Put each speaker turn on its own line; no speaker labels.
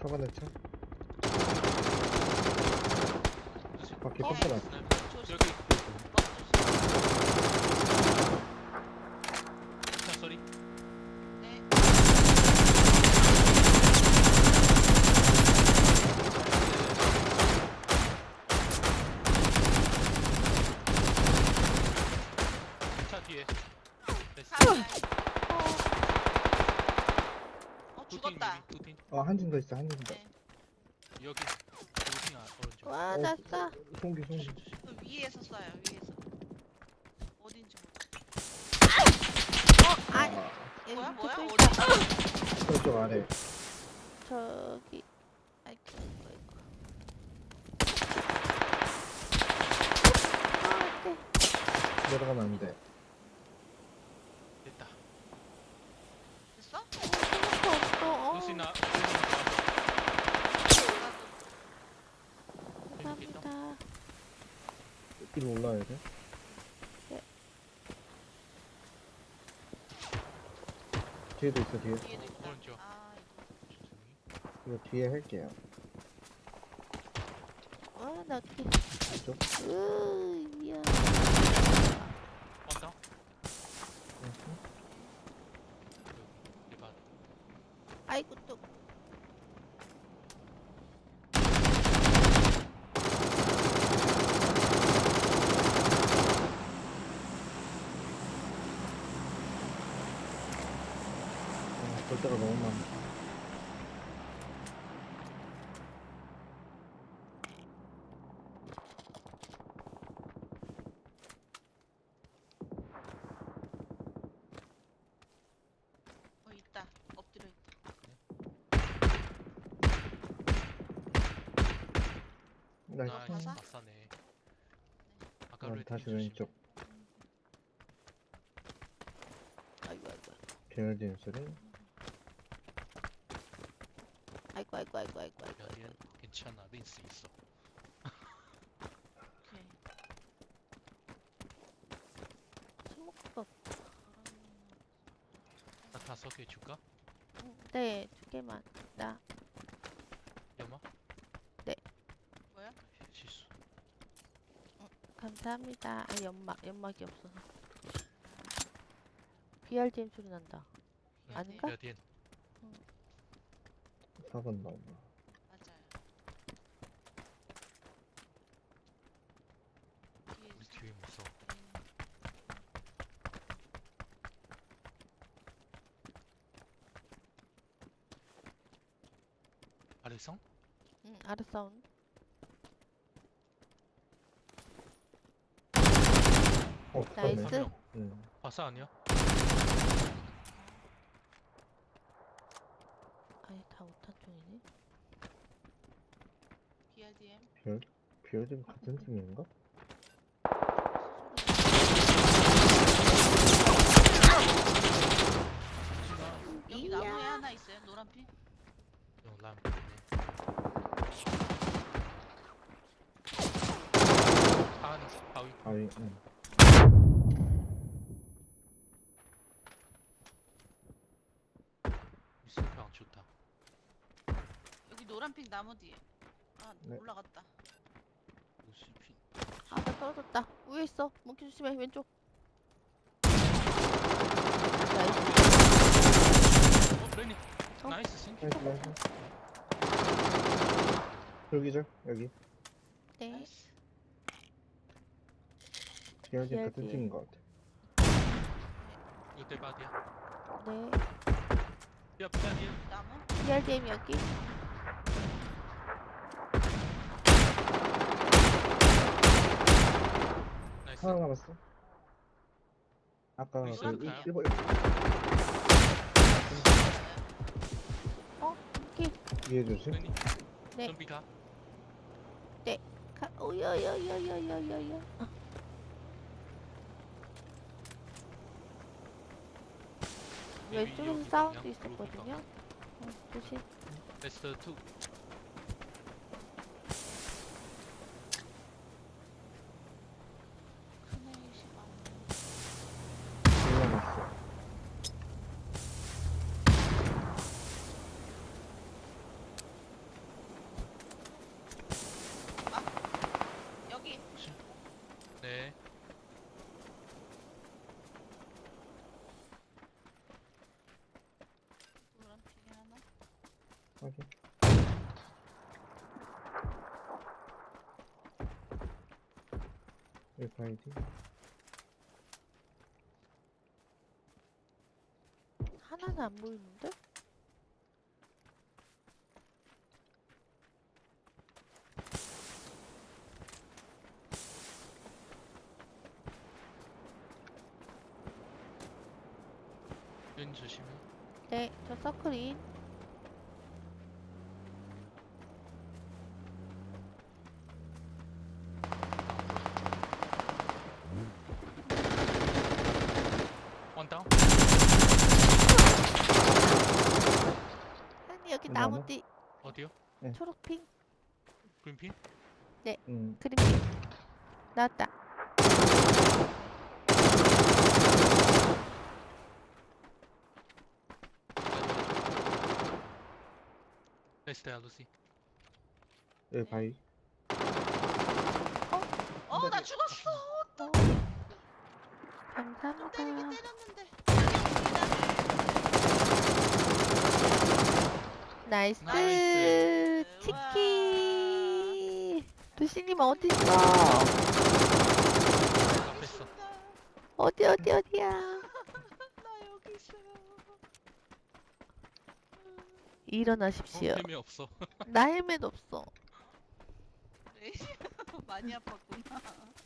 카바네 차. 바퀴
어?
꺾여 놨어.
조심.
여기
조심.
차 소리.
네.
차 뒤에. 됐어.
사이야. 죽었다.
두팀.
한 팀 더 있어, 한 팀 더.
네.
여기 두팀 오른쪽.
와, 나 쏴.
송기, 송기.
조심 조심.
그 위에서 쏴요. 위에서. 어딘지 모르겠어.
아,
아,
뭐야?
여기
뭐야?
또
어디?
있다.
저쪽 아래.
저기. 아이고, 아이고. 아, 네.
내려가면 안 돼.
됐다.
됐어?
생각도 없어.
루시나.
감사합니다.
위로 올라야 돼.
네.
뒤에도 있어, 뒤에.
뒤에도 있다.
오른쪽.
아,
이거 뒤에 할게요.
와, 나 어떻게.
이쪽.
미안.
언더. 대박.
아이고, 또.
볼 때가 너무 많아.
있다. 엎드려 있다.
나이스.
가자.
아싸네. 아까 레드
다시
조심.
왼쪽.
아이고, 아이고.
계열진 소리.
아이고, 아이고, 아이고, 아이고, 아이고.
야, 얘 괜찮아. 린스 있어.
오케이.
스모크가.
나 5개 줄까?
네, 2개만. 나.
연마?
뭐야?
실수.
감사합니다. 아, 연막이 없어서. BRDM 소리 난다. 아닌가?
야, 뒤엔.
4번 나오나.
맞아요. 뒤에
우리
있어.
뒤에 무서워. 아래성?
응, 알았어. 나이스.
그러네.
명.
응.
바사 아니야?
아니, 다 5탄 중이네.
BRDM.
계열진 같은 팀인가?
여기
이야.
나무에 하나 있어요. 노란 핀.
람. 아, 바위.
바위, 응.
수평 좋다.
여기 노란 핀 나무 뒤에. 아,
네.
올라갔다.
우수핀.
아, 나 떨어졌다. 위에 있어. 몽키 조심해. 왼쪽. 나이스.
레니.
어?
나이스 싱.
나이스, 나이스. 여기죠, 여기.
네.
나이스.
계열진 같은
계열진.
팀인 것 같아.
이거 대박이야.
네.
야, 비자니.
나무.
BRDM 여기.
나이스.
하나 남았어. 아까
우리
그
시작할까요?
1번
몽키.
위에 조심.
레니.
네.
좀비 가.
오여여여여여여여. 왼쪽에서
여기
사운드
방향,
있었거든요. 조심.
베스트 2.
크네이시 나무.
올라갔어. 확인. 여기 바이디.
하나는 안 보이는데?
눈 조심해.
네, 저 서클인.
원 다운.
아니, 여기
나무?
나무 뒤
어디요?
초록핑.
그린핀?
그림핑. 나왔다.
베스트야 루시.
여기 바이.
나 죽었어.
어.
때리게
감사합니다.
때렸는데.
나이스.
나이스.
치킨. 두시님 어딨어?
앞에 있어.
어디야?
나 여기 있어요.
일어나십시오.
템이 없어.
나 헬멧 없어.
그래. 많이 아팠구나.